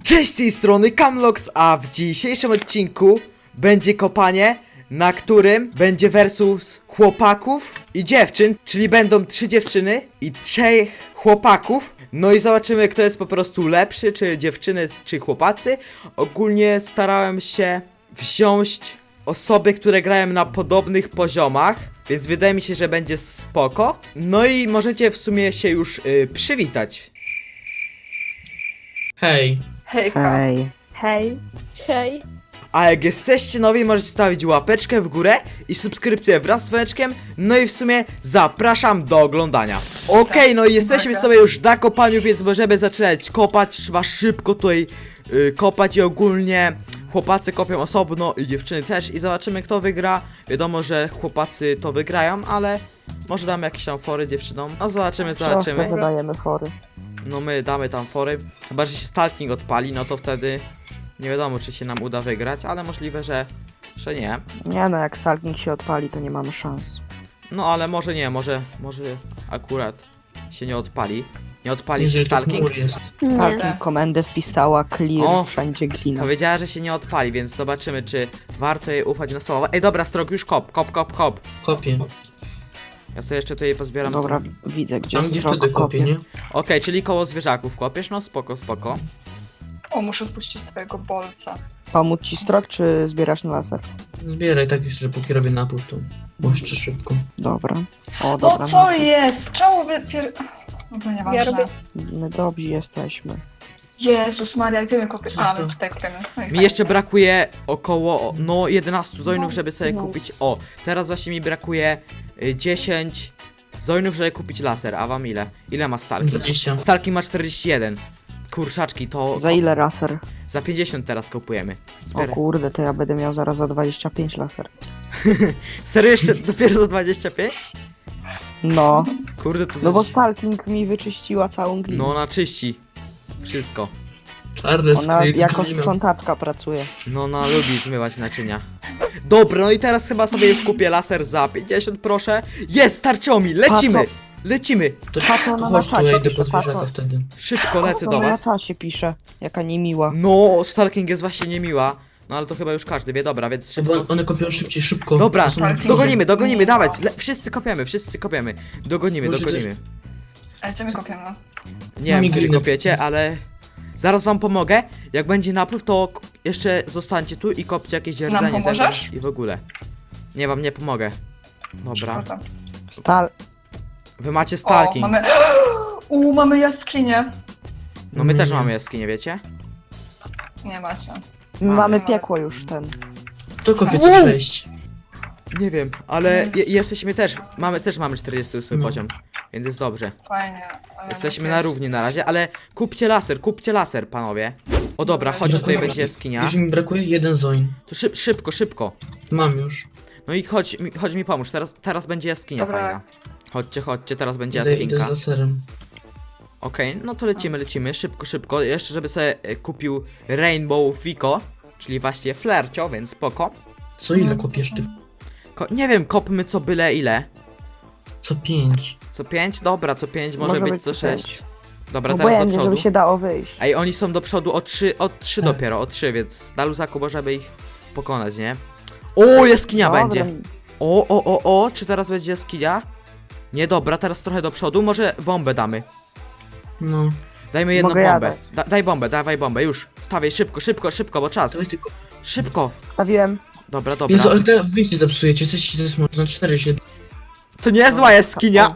Cześć, z tej strony Camlox, a w dzisiejszym odcinku będzie kopanie, na którym będzie versus chłopaków i dziewczyn, czyli będą 3 dziewczyny i 3 chłopaków. No i zobaczymy, kto jest po prostu lepszy, czy dziewczyny, czy chłopacy. Ogólnie starałem się wziąć osoby, które grają na podobnych poziomach, więc wydaje mi się, że będzie spoko. No i możecie w sumie się już przywitać. Hej. Hejka. Hej. Hej. Hej. A jak jesteście nowi, możecie stawić łapeczkę w górę i subskrypcję wraz z dzwoneczkiem. No i w sumie zapraszam do oglądania. Okej, no i jesteśmy sobie już na kopaniu, więc możemy zaczynać kopać. Trzeba szybko tutaj kopać i ogólnie chłopacy kopią osobno i dziewczyny też. I zobaczymy, kto wygra. Wiadomo, że chłopacy to wygrają, ale może damy jakieś tam fory dziewczynom. No zobaczymy. Prosto wydajemy fory. No my damy tam fory. Chyba, że się stalking odpali, no to wtedy nie wiadomo, czy się nam uda wygrać, ale możliwe, że nie. Nie no, jak stalking się odpali, to nie mamy szans. No ale może nie, może akurat się nie odpali. Nie odpali się Jeżeli to stalking? chmur jest. Nie. Stalking komendę wpisała clear, O! wszędzie glina. Powiedziała, że się nie odpali, więc zobaczymy, czy warto jej ufać na słowo. Ej, dobra, Strok, już kop. Kopię. Ja sobie jeszcze tutaj pozbieram. Dobra, widzę, gdzie Tam jest gdzie drog, wtedy kopię, nie? Okej, czyli koło zwierzaków kopiesz? No spoko. O, muszę wpuścić swojego bolca. Pomóc ci strok, czy zbierasz na laser? Zbieraj tak jeszcze, póki robię napój to. Błyszczę szybko. Dobra. O, dobra. No co jest? Czemu wy Dobra, nieważne. Ja robię- My dobrzy jesteśmy. Jezus Maria, gdzie my kopiemy? A, my tutaj kopiemy. No i Mi fajnie. jeszcze brakuje około, 11 zoinów, żeby sobie No. kupić. O, teraz właśnie mi brakuje 10 zoinów, żeby kupić laser. A wam ile? Ile ma Stalking? 20. Stalking ma 41. Kurczaczki, to Za ile laser? za 50 teraz kupujemy. O Zbieraj. kurde, to ja będę miał zaraz za 25 laser. Serio jeszcze dopiero za 25? No. Kurde, to No bo coś... stalking mi wyczyściła całą glinę. No ona czyści wszystko. Czarny Ona skryt, jako glina. sprzątaczka pracuje. No ona lubi zmywać naczynia. Dobra, no i teraz chyba sobie już kupię laser za 50, proszę. Jest, starczyło mi, lecimy! Patrz, Lecimy! Patrz, ona na Chodź tu, ja czasie idę pisze, po patrz. zwierzaka wtedy. Szybko lecę do Na was. czasie pisze, jaka niemiła. No, stalking jest właśnie niemiła. No ale to chyba już każdy wie, dobra, więc Bo szybko. one kopią szybciej, szybko. Dobra, To są na przodzie. dogonimy, dawać. Wszyscy kopiemy. Dogonimy. A gdzie my kopiemy? Nie wiem, mi czy wy gliny. kopiecie, ale zaraz wam pomogę. Jak będzie napływ, to jeszcze zostańcie tu i kopcie jakieś Nam rdzenie pomożesz? i w ogóle. Nie, wam nie pomogę. Dobra. Szkoda. Stal... Wy macie O, stalking. mamy... mamy jaskinię. No my też Nie. mamy jaskinię, wiecie? Nie macie. Mamy piekło już ten. To kopię Wow! tu wejść. Nie wiem, ale jesteśmy też. Mamy 48 No. poziom, więc jest dobrze. Fajnie. ale Jesteśmy no na jest- równi na razie, ale kupcie laser, panowie. O dobra, chodźcie, tutaj Brakuje- będzie jaskinia. Już mi brakuje jeden zoin. To szybko. Mam już. No i chodź mi pomóż, teraz będzie jaskinia Dobra. fajna. Chodźcie, teraz będzie Idę jaskinka. z laserem. Okej, no to lecimy, szybko. Jeszcze żeby sobie kupił Rainbow Fico, czyli właśnie flercio, więc spoko. Co ile kopiesz ty? Nie wiem, kopmy co byle ile. Co 5. Co 5? Dobra, co 5 może być co 6. Dobra, teraz do Obojętnie, przodu. żeby się dało wyjść. Ej, oni są do przodu o 3 Tak. dopiero, o 3, więc na luzaku możemy ich pokonać, nie? O, jaskinia Dobra, będzie. O, czy teraz będzie jaskinia? Nie, dobra, teraz trochę do przodu, może bombę damy. No. Dajmy jedną Mogę ja bombę. dać. Dawaj bombę, już. Stawiaj, szybko, bo czas. Dawaj tylko. Szybko. Stawiłem. Dobra. Jezu, ale teraz wyjście zepsujecie. Jesteście też na 4 się. To niezła jaskinia.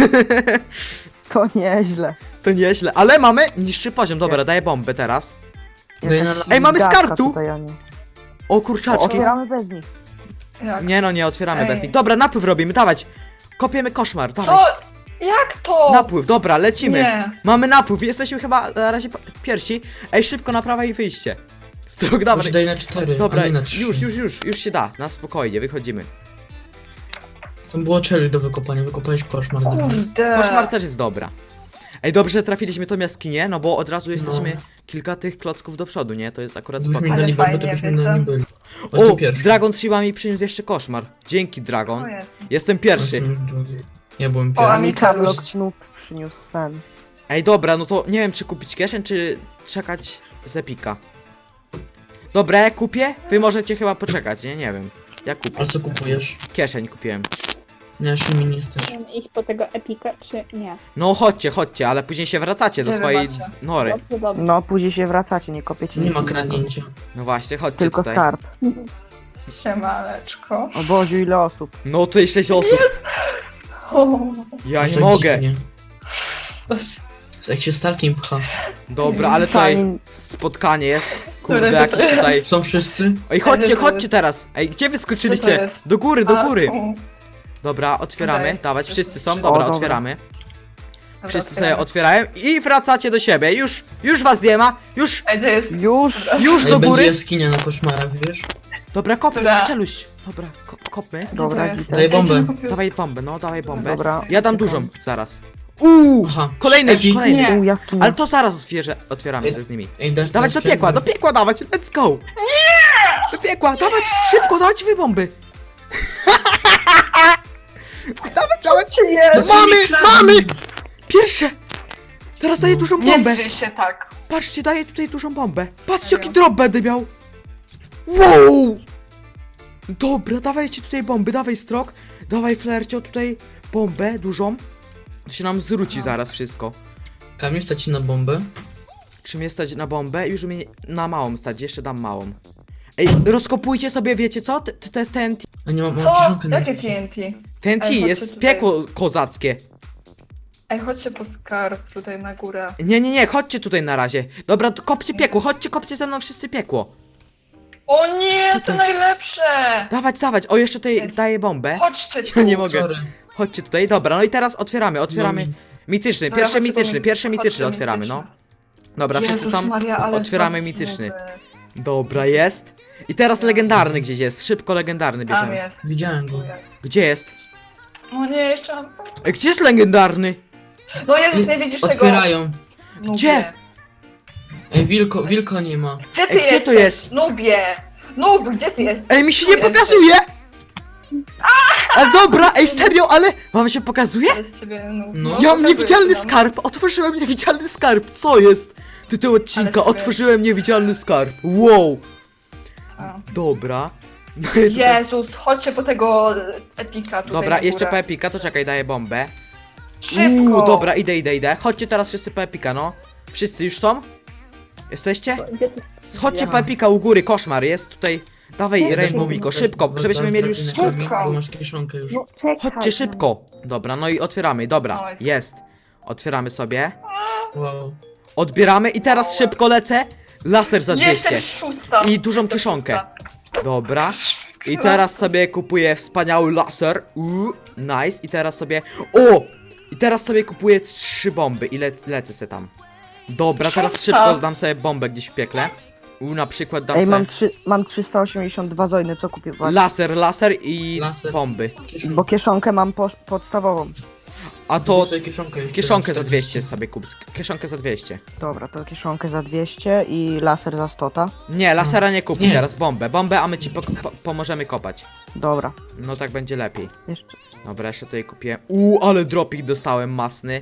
To nieźle. To nieźle, ale mamy niższy poziom. Dobra, daję bombę teraz. Daj na Jakaś Ej, mamy z gadka kartu! tutaj, a nie. O, kurczaczki. Otwieramy bez nich. Jak? Nie no, nie otwieramy Ej. bez nich. Dobra, napływ robimy, dawać. Kopiemy koszmar, dawaj. Co? Jak to? Napływ, dobra, lecimy. Nie. Mamy napływ, jesteśmy chyba na razie pierwsi. Ej, szybko na prawo i wyjście. Strok, Może dobra. daj na 4. Dobra, a nie na 3. już się da. Na spokojnie, wychodzimy. Tam było cherry do wykopania. Wykopałeś koszmar. Kurde. Koszmar też jest dobra. Ej, dobrze, że trafiliśmy tą jaskinię, no bo od razu jesteśmy No. kilka tych klocków do przodu, nie? To jest akurat spoko. Gdybyśmy Ale dali bombę, to fajnie, byśmy wiecie? na nim byli. O, Chodźmy pierwszy. Dragon Trzyma mi przyniósł jeszcze koszmar. Dzięki, Dragon. O jest. Jestem pierwszy. Ja byłem O, a pierwszy. mi Mi Kamlok znów przyniósł sen. Ej, dobra, no to nie wiem, czy kupić kieszeń, czy czekać z Epika. Dobra, ja kupię, wy możecie chyba poczekać, nie wiem. Ja kupię. A co kupujesz? Kieszeń kupiłem. Nie, jeszcze mi nie jesteś. Mam iść po tego epika, czy nie? No chodźcie, ale później się wracacie do Gdzie wy swojej macie? nory. Dobrze, dobrze. No, później się wracacie, nie kopiecie Nie nic ma innego. kradnięcia. No właśnie, chodźcie Tylko tutaj. skarb. Siemaneczko. O Boziu, ile osób. No tutaj 6 osób. O, Ja nie Tak mogę. dziwnie. coś. Jak się Starkiem pcha. Dobra, ale tutaj Fajnie. spotkanie jest. Kurde, Które to jakieś jest? tutaj... Są wszyscy? Ej, chodźcie teraz. Ej, gdzie wy Co to skoczyliście? jest? Do góry. U, Dobra, otwieramy. Okej. Dawać, wszyscy są. O, Dobra, dobra. otwieramy. dobra, Wszyscy sobie otwieramy. otwierają i wracacie do siebie. Już was nie ma. Już Ej, gdzie jest? do Ej, będzie góry. jaskinia na koszmarach, wiesz? Dobra, kopmy, Dobra. czeluś. Dobra, kopmy. Dobra, Gdzie to jest? git. Daj Ej, bombę. gdzie mi kupił- Dawaj bombę, no dawaj bombę. Dobra. Ja dam dużą, zaraz. Aha. Kolejny, Ej, kolejny. nie. Jaskinia. Ale to zaraz otwieramy Ej. sobie z nimi. Ej, dasz Dawać do dasz piekła, do piekła dawać, let's go! Nie! Do piekła, dawać, szybko, dawać wy bomby! dawać! Czy jest? Mamy! Pierwsze! Teraz daję dużą Nie bombę. drzyj się tak. Patrzcie, daję tutaj dużą bombę. Patrzcie, jaki drop będę miał. Wow! Dobra, dawajcie tutaj bomby, dawaj strok. Dawaj flercio tutaj bombę dużą. To się nam zwróci zaraz wszystko. Kamil, stać ci na bombę? Czy mnie stać na bombę? Już mnie na małą stać, jeszcze dam małą. Ej, rozkopujcie sobie, wiecie co? TNT. A nie mam Co? kieszonkę na Jakie TNT? TNT Ej, chodźcie jest tutaj. piekło kozackie. Ej, chodźcie po skarb tutaj na górę. Nie, chodźcie tutaj na razie. Dobra, to kopcie piekło, kopcie ze mną wszyscy piekło. O nie, to Tutaj. najlepsze! Dawać, o jeszcze tutaj daję bombę. Chodźcie tu. Ja nie mogę. Sorry. Chodźcie tutaj, dobra, no i teraz otwieramy. No, Mityczny, Dobra, chodźcie, pierwszy bo mi- mityczny chodźcie, otwieramy, no. mityczny. Dobra, wszyscy Jezus są. Maria, ale otwieramy was mityczny. znowu. Dobra, jest. I teraz legendarny gdzieś jest, szybko legendarny Tam bierzemy. jest. Widziałem Tu go. jest. Gdzie jest? O nie, jeszcze mam... Ej, gdzie jest legendarny? No Jezus, nie widzisz tego? Otwierają. Nubie. Gdzie? Ej, wilko nie ma. Gdzie ty Ej, gdzie jesteś? to jest? Nubie! Nub, gdzie ty jesteś? Ej, mi się Tu nie jesteś. pokazuje! Ale dobra, ej, serio, ale wam się pokazuje? Jest ciebie nub. No. Ja mam pokazuje niewidzialny się nam. skarb! Otworzyłem niewidzialny skarb! Co jest? Tytuł odcinka, Ale sobie- otworzyłem niewidzialny skarb. Wow! A. Dobra. No i tutaj... Jezus, chodźcie po tego epika tutaj Dobra, na jeszcze górę. po epika, to czekaj, daję bombę. Szybko! Dobra, idę. Chodźcie teraz wszyscy po epika, no. Wszyscy już są? Jesteście? Gdzie ty? Chodźcie Ja. po epika u góry, koszmar jest tutaj. Dawaj Chodźcie. Rainbow Miko, szybko, żebyśmy mieli już... Szybko. Bo masz kieszonkę już. No czekaj. Chodźcie szybko. Dobra, no i otwieramy, dobra, Nice. jest. Otwieramy sobie. Wow. Odbieramy i teraz szybko lecę. Laser za 200. Jestem szósta. I dużą Jestem kieszonkę. szósta. Dobra. I teraz sobie kupuję wspaniały laser. Nice. I teraz sobie... O! I teraz sobie kupuję 3 bomby i lecę se tam. Dobra, teraz Szósta. szybko dam sobie bombę gdzieś w piekle. Na przykład dam Ej, sobie mam 382 zojny, co kupię? Właśnie. laser i Laser. bomby. Bo kieszonkę mam podstawową. A to Kup sobie kieszonkę. jeszcze kieszonkę za raz. 200 sobie kup. Kieszonkę za 200. Dobra, to kieszonkę za 200 i laser za 100. Nie, lasera nie kupuj Nie. teraz, bombę, a my ci pomożemy kopać. Dobra. No tak będzie lepiej. Jeszcze. Dobra, jeszcze tutaj kupię. Ale dropik dostałem masny.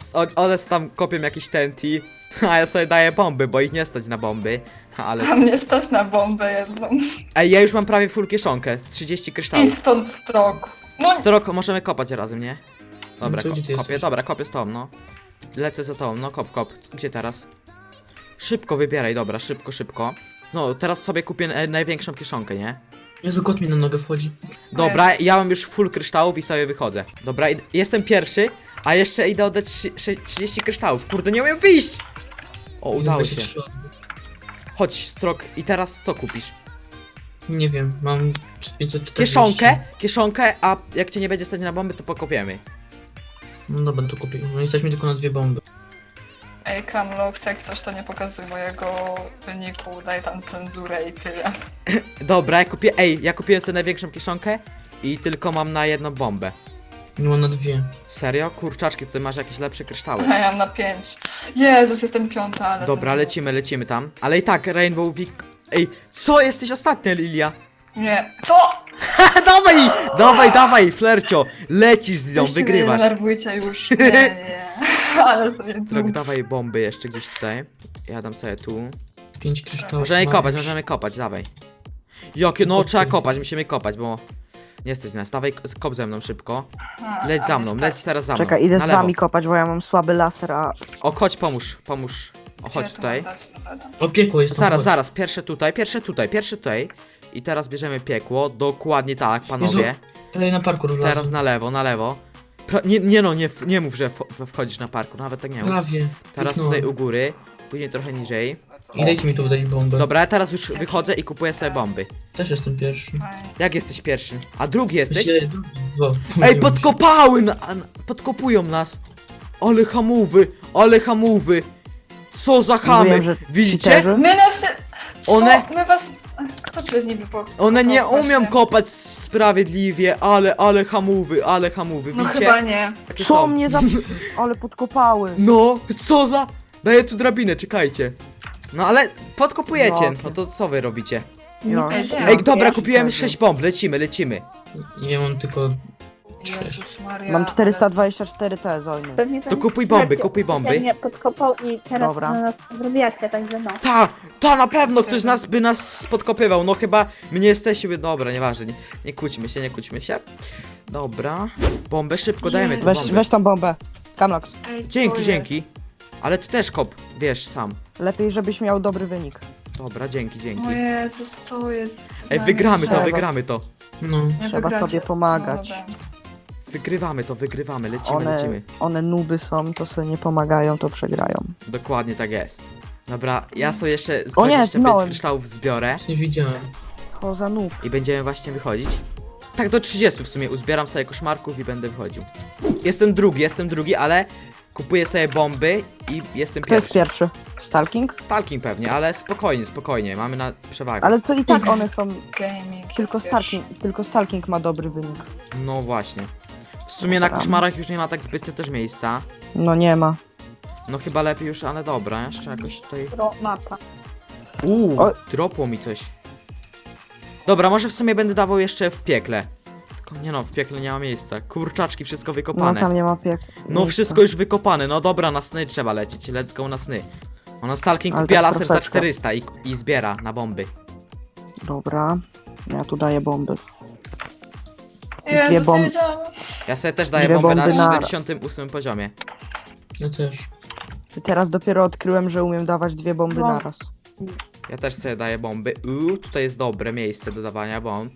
Ale tam kopię jakieś TNT. A ja sobie daję bomby, bo ich nie stać na bomby. Ale. A mnie stać na bombę jedną. Ej, ja już mam prawie full kieszonkę. 30 kryształów. Idź stąd strok. No To rok możemy kopać razem, nie? Dobra, No to gdzie ty kopię, jesteś? dobra, kopię z tą, no. Lecę za tą, no kop. Gdzie teraz? Szybko wybieraj, dobra, szybko. No, teraz sobie kupię największą kieszonkę, nie? Jezu, kot mi na nogę wchodzi. Dobra, ja mam już full kryształów i sobie wychodzę. Dobra, jestem pierwszy, a jeszcze idę oddać 30 kryształów. Kurde, nie umiem wyjść! O, udało się. 23. Chodź, Strok, i teraz co kupisz? Nie wiem, mam 540. Kieszonkę, a jak cię nie będzie stać na bomby, to pokopiemy. No dobra, to kupię. No jesteśmy tylko na 2 bomby. Ej, Kamlox, jak coś to nie pokazuj mojego wyniku, daj tam cenzurę i tyle. Dobra, ja kupiłem sobie największą kieszonkę i tylko mam na jedną bombę. Nie mam na 2. Serio? Kurczaczki, tutaj masz jakieś lepsze kryształy. A ja mam na 5. Jezus, jestem piąta, ale... Dobra, lecimy tam. Ale i tak, Rainbow Week... Ej, co? Jesteś ostatnia, Lilia? Nie. Co? dawaj, flercio! Lecisz z nią, Weźcie mnie, wygrywasz. Nie denerwujcie już. Nie. Ale sobie Strok, dawaj bomby jeszcze gdzieś tutaj. Ja dam sobie tu. 5 kryształów. Możemy kopać, dawaj. Jakie, no trzeba kopać, musimy kopać, bo... Nie stać nas, dawaj, kop ze mną szybko. Leć za mną, leć teraz za mną. Czekaj, idę Na z lewo. wami kopać, bo ja mam słaby laser, a... O, chodź, pomóż. O, chodź tutaj. O, piekło jest tam. Zaraz, chodź. zaraz, pierwsze tutaj. I teraz bierzemy piekło, dokładnie tak, panowie. Ale na parkour wlazłem. Teraz na lewo. Nie mów, że wchodzisz na parkour, nawet tak nie mów. Prawie. Teraz Kliknąłem. tutaj u góry, później trochę niżej. I dajcie mi tu wdać bombę. Dobra, ja teraz już wychodzę i kupuję sobie bomby. Też jestem pierwszy. Jak jesteś pierwszy? A drugi jesteś? Myślę, dwa. Ej, podkopują nas! Ale hamowy! Co za chamy! Mówiłem, że Widzicie? cheaterzy. My nas... One- Co? My was... Kto przez niby po... One nie właśnie. umią kopać sprawiedliwie, ale hamowy, No widzicie? chyba nie. Jakie Co są? mnie za... Ale podkopały. No, co za... Daję tu drabinę, czekajcie. No ale podkopujecie, Jakie? no to co wy robicie? Ja. Ej, Ej, dobra, ja kupiłem się 6 bomb, lecimy. Ja mam tylko... Jezus Maria, Mam ale- 424 T zojny. Pewnie To kupuj bomby, kupuj bomby. mnie podkopał i teraz Dobra. na nas zrobiacie, także no. Ta na pewno ktoś z nas by nas podkopywał, no chyba my nie jesteśmy, dobra, nieważne, nie kłóćmy się. Dobra, bombę szybko dajemy tu bombę. Weź tą bombę. Kamlox. Ej, co Dzięki, jest? dzięki. Ale ty też kop, wiesz, sam. Lepiej, żebyś miał dobry wynik. Dobra, dzięki. O Jezus, co jest? Ej, z wygramy nami? to, Trzeba. wygramy to. No. Nie Trzeba wygracie. sobie pomagać. No dobra. Wygrywamy, lecimy. One nuby są, to sobie nie pomagają, to przegrają. Dokładnie tak jest. Dobra, ja sobie jeszcze z O nie, 25 zginąłem. kryształów zbiorę Nie widziałem. Co za noob. i będziemy właśnie wychodzić. Tak do 30 w sumie, uzbieram sobie koszmarków i będę wychodził. Jestem drugi, ale kupuję sobie bomby i jestem Kto jest pierwszy. pierwszy? Stalking? Stalking pewnie, ale spokojnie, mamy na przewagę. Ale co i tak one są... Gaming. Tylko Stalking ma dobry wynik. No właśnie. W sumie na Dobra. koszmarach już nie ma tak zbytnio też miejsca. No nie ma. No chyba lepiej już, ale dobra, jeszcze jakoś tutaj... Pro mapa. O. Dropło mi coś. Dobra, może w sumie będę dawał jeszcze w piekle. Tylko nie no, w piekle nie ma miejsca. Kurczaczki, wszystko No wykopane. tam nie ma piek. No wszystko już wykopane, no dobra, na sny trzeba lecieć, let's go na sny. Ona Stalking Ale kupiła tak laser za troszeczkę. 400 i zbiera na bomby. Dobra. Ja tu daję bomby. Jezus, Dwie bomby. nie wiedziałam. Ja sobie też daję Dwie bombę na bomby naraz. 78 poziomie. Ja też. Teraz dopiero odkryłem, że umiem dawać dwie bomby No. naraz. Ja też sobie daję bomby. Tutaj jest dobre miejsce do dawania bomb.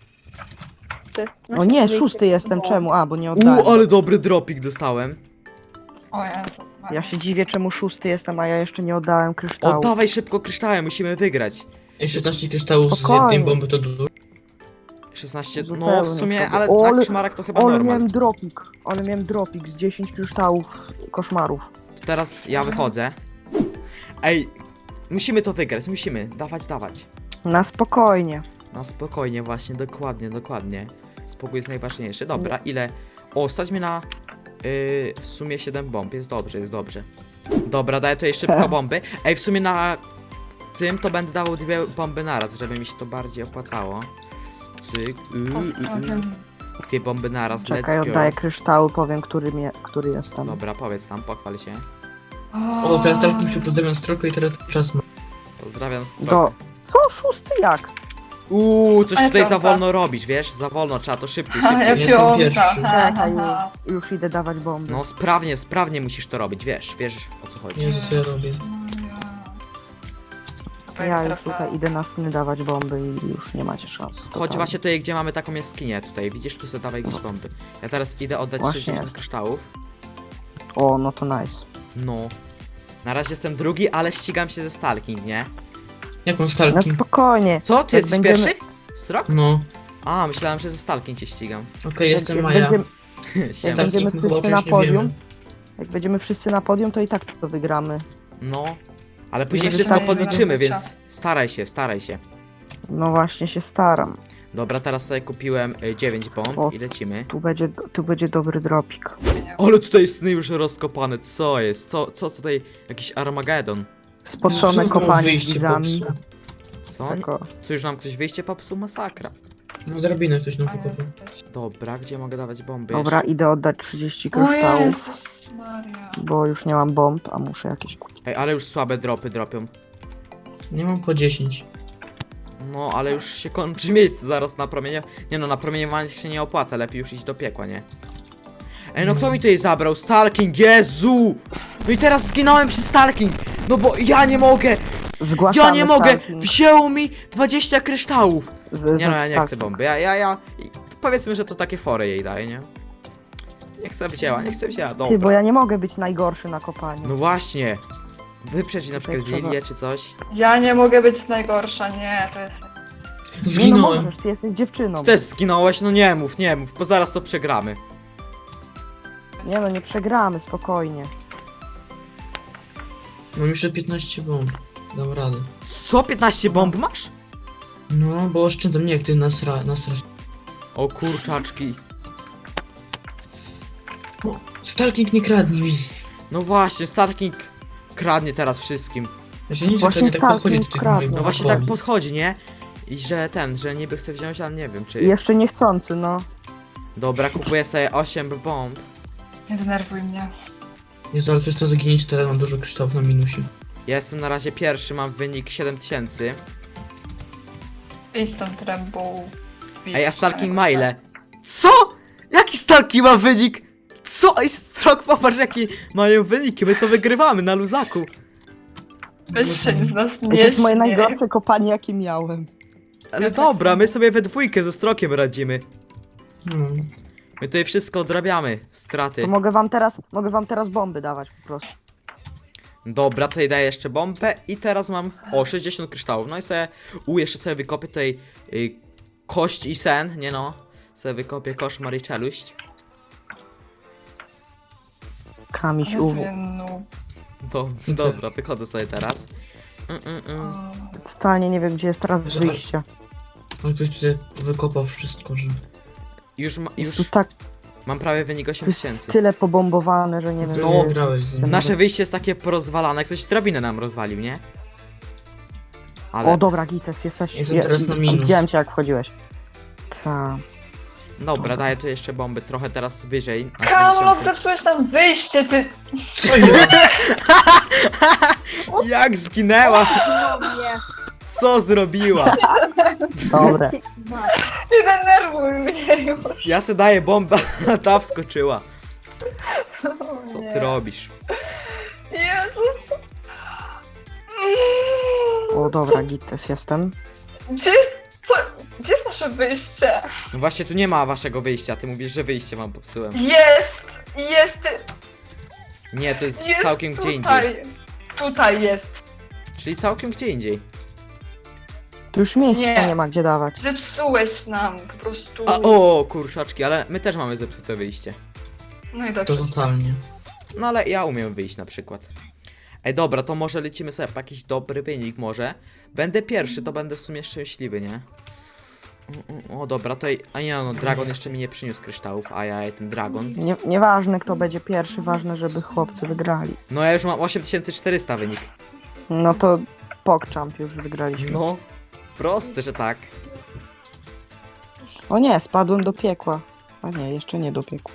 O nie, szósty jestem, czemu? A, bo nie oddałem. Ale dobry dropik dostałem. O Jezus Maria. Ja się dziwię, czemu szósty jestem, a ja jeszcze nie oddałem kryształu. Oddawaj szybko kryształy, musimy wygrać. Ej, 16 kryształów z Spokojnie. jednej bomby to dużo. 16, no Zupełnie w sumie, sobie. ale O, na ale- koszmarach to chyba Ale normal. miałem dropik z 10 kryształów koszmarów. To teraz ja wychodzę. Ej, musimy to wygrać, musimy. Dawać. Na spokojnie. Na spokojnie właśnie, dokładnie. Spokój jest najważniejszy. Dobra, ile? O, stać mnie na w sumie 7 bomb, jest dobrze. Dobra, daję tutaj szybko bomby. Ej, w sumie na tym to będę dawał 2 bomby naraz, żeby mi się to bardziej opłacało. Cyk, Ostatnim. 2 bomby naraz, Czekaj, let's go. oddaję kryształy, powiem, który jestem. Dobra, powiedz tam, pochwal się. O, teraz tak mi się pozdrawiam strokę i teraz czas ma. Pozdrawiam Do... Strok. Co? Szósty jak? Coś Ale tutaj za piąta. wolno robisz, wiesz? Za wolno, trzeba to szybciej. Ale Jestem piąta. pierwszy. Czekaj, już idę dawać bomby. No sprawnie musisz to robić, wiesz o co chodzi. Nie wiem co ja robię. Ja już tutaj idę na sny dawać bomby i już nie macie szans. Chodź totalnie. właśnie tutaj, gdzie mamy taką jaskinię tutaj, widzisz, tu sobie dawaj gdzieś bomby. Ja teraz idę oddać Właśnie 60 jest. kryształów. O, no to nice. No. Na razie jestem drugi, ale ścigam się ze Stalking, nie? Jaką No stalking? spokojnie. Co? Ty Jak jesteś będziemy- pierwszy? Strok? No. A, myślałem, że ze Stalking cię ścigam. Okej, jestem jak Maja. będziemy, Siema. Tak. będziemy Stalking wszyscy chyba na już nie podium, wiemy. jak będziemy wszyscy na podium, to i tak to wygramy. No. Ale później Żeby wszystko tak- podliczymy, Dobra. więc staraj się. No właśnie się staram. Dobra, teraz sobie kupiłem 9 bomb O. i lecimy. Tu będzie dobry dropik. Ale tutaj sny już rozkopane, co jest? Co tutaj? Jakiś Armagedon. Spoczone Znowu kopanie z wyjście widzami. popsuł. Co? Tylko Co już nam ktoś wyjście popsuł? Masakra. No drabinę ktoś nam A wykopał. jest. Dobra, gdzie mogę dawać bomby Dobra, jeszcze? idę oddać 30 O kryształów, Jezus Maria. bo już nie mam bomb, a muszę jakieś kupić. Ej, ale już słabe dropy dropią. Nie mam po 10. No, ale już się kończy miejsce zaraz na promienie. Nie no, na promieniowanie się nie opłaca, lepiej już iść do piekła, nie? Ej, no kto mi tutaj zabrał? Stalking, Jezu! No i teraz zginąłem przy Stalking! No bo ja nie mogę! Zgłaszamy Ja nie mogę! stalking Wzięło mi 20 kryształów! z Nie no, ja nie chcę stalking. bomby. Powiedzmy, że to takie fory jej daje, nie? Niech se wzięła, Ty, bo dobra. ja nie mogę być najgorszy na kopaniu. No właśnie! Wyprzedź na przykład Tutaj trzeba- Lilię czy coś. Ja nie mogę być najgorsza, nie, to jest... Nie no Zginąłem. możesz, ty jesteś dziewczyną. Ty też zginąłeś? No nie mów, bo zaraz to przegramy. Nie no, nie przegramy, spokojnie. Mam jeszcze 15 bomb. Dam radę. Co? 15 bomb masz? No, bo oszczędzam, nie jak ty nasrasz. O kurczaczki. O, Stalking nie kradnie mi. No właśnie, Stalking kradnie teraz wszystkim. Ja się nie Właśnie że tak Stalking podchodzi do tych kradnie. moich No właśnie bomb. tak podchodzi, nie? I że niby chce wziąć, ale nie wiem czy... Jeszcze niechcący, no. Dobra, kupuję sobie 8 bomb. Nie denerwuj mnie. Jezu, ale przez to zaginięcie teraz mam dużo kryształów na minusie. Ja jestem na razie pierwszy, mam wynik 7000. Idź stąd, Rambo. Ej, a Stalking ma ile? Co? Jaki Stalking ma wynik? Co? Ej, Strok, popatrz jaki mają wyniki, my to wygrywamy na luzaku. Weź się z nas I nie to jest moje śmiej. najgorsze kopanie, jakie miałem. Ale dobra, my sobie we dwójkę ze Strokiem radzimy. No. My tutaj wszystko odrabiamy, straty. To mogę wam teraz bomby dawać po prostu. Dobra, tutaj daję jeszcze bombę i teraz mam, 60 kryształów. No i sobie, jeszcze sobie wykopię tutaj kość i sen, nie no. Sobie wykopię koszmar i czeluść. Kamiś Ale uwu. ty, no. Dobra, wychodzę sobie teraz. Totalnie nie wiem, gdzie jest teraz Zobacz. wyjście. On ktoś tutaj wykopał wszystko, że... Jest tu Już tak, mam prawie wynik tu jest 8000. tyle pobombowane, że nie wiem. No. Nie grałeś z nim. Nasze wyjście jest takie porozwalane, ktoś drabinę nam rozwalił, nie? Ale, O dobra, Gites, jesteś... Jestem teraz na minus. Widziałem cię, jak wchodziłeś. Ta. dobra, daję tu jeszcze bomby, trochę teraz wyżej. Na Kamlok, 70. zepsułeś tam wyjście, ty! Co jest? Jak zginęła? Nie. Co zrobiła? Dobre. Nie denerwuj mnie już. Ja se daję bombę, a ta wskoczyła. Co Nie. ty robisz? Jezus. O dobra, Gites, jestem. Gdzie, co, gdzie jest nasze wyjście? No właśnie tu nie ma waszego wyjścia, ty mówisz, że wyjście wam popsułem. Jest, Nie, to jest jest całkiem gdzie tutaj. indziej. Tutaj jest. Czyli całkiem gdzie indziej. Tu już miejsca Nie. nie ma gdzie dawać. Zepsułeś nam po prostu. A o, kurczaczki, ale my też mamy zepsute wyjście. No i To dobrze. totalnie. No ale ja umiem wyjść na przykład. Ej, dobra, to może lecimy sobie po jakiś dobry wynik może. Będę pierwszy, to będę w sumie szczęśliwy, nie? O, dobra, to... A nie, no, Dragon jeszcze mi nie przyniósł kryształów, a ja ten Dragon. Nieważne kto będzie pierwszy, ważne żeby chłopcy wygrali. No ja już mam 8400 wynik. No to PogChamp już wygraliśmy. No, proste, że tak. O nie, spadłem do piekła. A nie, jeszcze nie do piekła.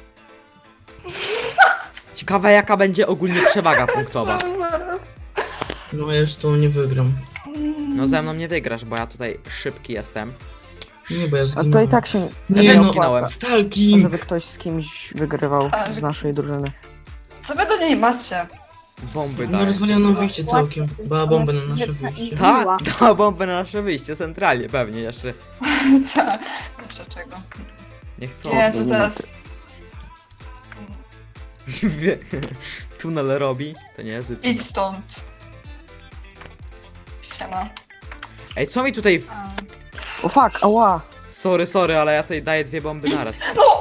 Ciekawe jaka będzie ogólnie przewaga punktowa. No ja już to nie wygram. No ze mną nie wygrasz, bo ja tutaj szybki jestem. Nie, bo ja A zginąłem. to i tak się Ja Nie też no, zginąłem. Stalking! żeby ktoś z kimś wygrywał z naszej drużyny. Co wy do niej macie? Bomby No daję. rozwaliła nam wyjście całkiem. Dała bombę na nasze wyjście. Tak, dała bombę na nasze wyjście, centralnie pewnie jeszcze. Jeszcze czego? Nie chcą. Jezu, zaraz. Wie- Tunel robi, to nie jest. Idź stąd. Siema. Ej, co mi tutaj... A. O fuck, ała! Sorry, ale ja tutaj daję 2 bomby naraz. No!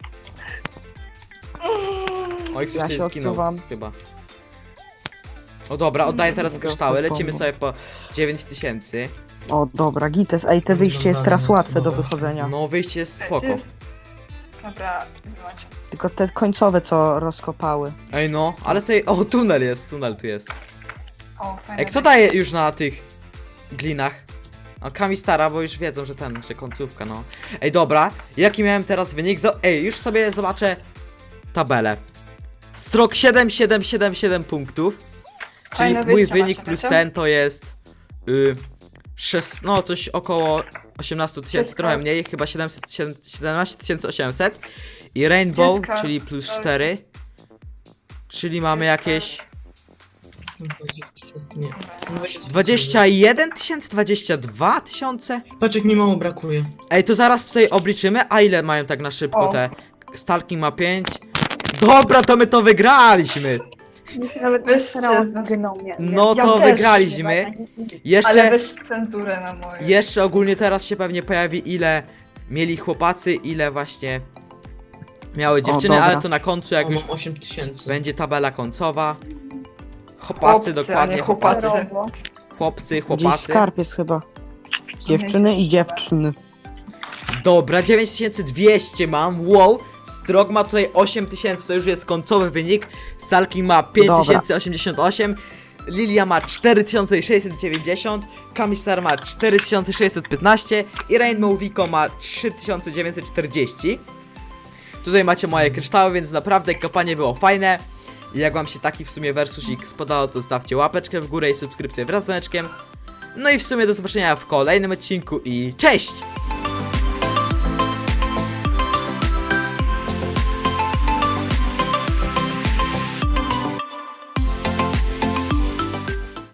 Oj, ktoś Ja tutaj się zginął odsuwam. chyba. O dobra, oddaję teraz Dobra, kryształy, lecimy bomba. sobie po 9000. O dobra, Gites, ej, te wyjście jest teraz łatwe do wychodzenia. No wyjście jest spoko. Dobra, macie. Tylko te końcowe co rozkopały. Ej no, ale tutaj... O, tunel tu jest. O, fajne. Ej, kto daje już na tych glinach? A Kami stara, bo już wiedzą, że końcówka, no. Ej, dobra, jaki miałem teraz wynik? Ej, już sobie zobaczę tabelę. Strok 7 punktów. Czyli Fajne mój wyjście wynik macie, plus wiecie? ten to jest... no coś około 18 tysięcy, Wszystko. trochę mniej, chyba 17 800. I Rainbow, Dziecka. czyli plus 4. Czyli mamy jakieś... Nie. 21 tysięcy, 22 tysiące? Patrz jak mi mało brakuje. Ej, to zaraz tutaj obliczymy, a ile mają tak na szybko O. te... Stalking ma 5. Dobra, to my to wygraliśmy! Mi się nawet Weź nie starało się. z geną mnie. No Ja to też, wygraliśmy. Ale Jeszcze, weź cenzurę na moje. jeszcze ogólnie teraz się pewnie pojawi, ile mieli chłopacy, ile właśnie miały dziewczyny, dobra. ale to na końcu, jak O, już mam 8000. będzie tabela końcowa. Chłopcy, Chłopacy, a dokładnie, nie chłopacy. chłopcy, Gdzieś chłopacy. skarb jest chyba. Dziewczyny i dziewczyny. Dobra, 9200 mam, wow. Strok ma tutaj 8000, to już jest końcowy wynik. Stalking ma 5088. Lilia ma 4690, Kamistar ma 4615 i Rainbow Vico ma 3940. Tutaj macie moje kryształy, więc naprawdę kopanie było fajne. I jak wam się taki w sumie versusik spodobał, to zostawcie łapeczkę w górę i subskrypcję wraz z dzwoneczkiem. No i w sumie do zobaczenia w kolejnym odcinku i cześć!